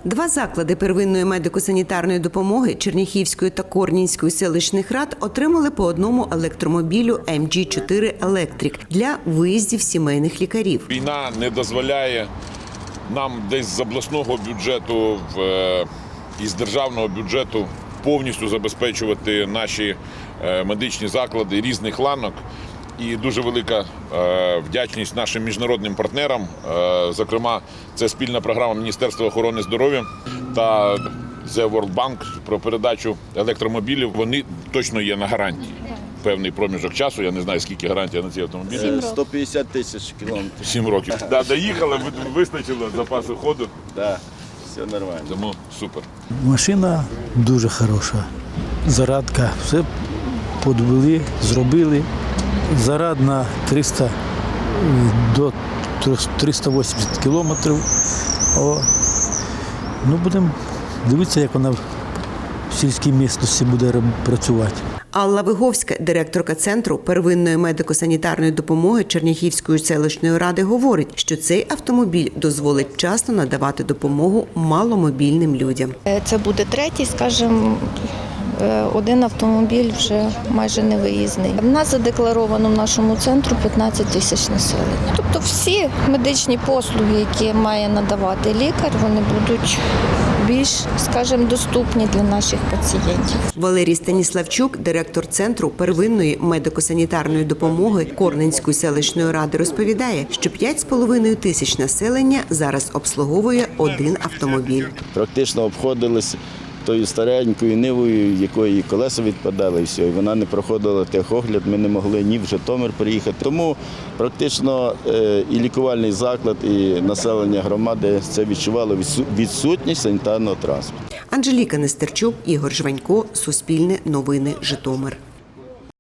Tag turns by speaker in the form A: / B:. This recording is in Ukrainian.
A: Два заклади первинної медико-санітарної допомоги Черняхівської та Корнінської селищних рад отримали по одному електромобілю MG4 Electric для виїздів сімейних лікарів.
B: Війна не дозволяє нам десь з обласного бюджету і з державного бюджету повністю забезпечувати наші медичні заклади різних ланок. І дуже велика вдячність нашим міжнародним партнерам. Зокрема, це спільна програма Міністерства охорони здоров'я та The World Bank про передачу електромобілів. Вони точно є на гарантії. Певний проміжок часу, я не знаю, скільки гарантія на ці автомобілі.
C: 150 тисяч кілометрів.
B: 7 років. Доїхали, вистачило запасу ходу.
C: Так, все нормально.
B: Тому супер.
D: Машина дуже хороша. Зарадка, все подвели, зробили. Заряд на 300 до 380 кілометрів. Будемо дивитися, як вона в сільській місцевості буде працювати.
A: Алла Виговська, директорка Центру первинної медико-санітарної допомоги Черняхівської селищної ради, говорить, що цей автомобіль дозволить вчасно надавати допомогу маломобільним людям.
E: Це буде третій, скажімо, один автомобіль вже майже невиїзний. У нас задекларовано в нашому центру 15 тисяч населення. Тобто всі медичні послуги, які має надавати лікар, вони будуть більш, скажімо, доступні для наших пацієнтів.
A: Валерій Станіславчук, директор Центру первинної медико-санітарної допомоги Корненської селищної ради, розповідає, що 5,5 тисяч населення зараз обслуговує один автомобіль.
C: Практично обходились тою старенькою нивою, якої колеса відпадали, і все. І вона не проходила техогляд, ми не могли ні в Житомир приїхати. Тому практично і лікувальний заклад, і населення громади це відчувало відсутність санітарного транспорту.
A: Анжеліка Нестерчук, Ігор Жванько, Суспільне новини, Житомир.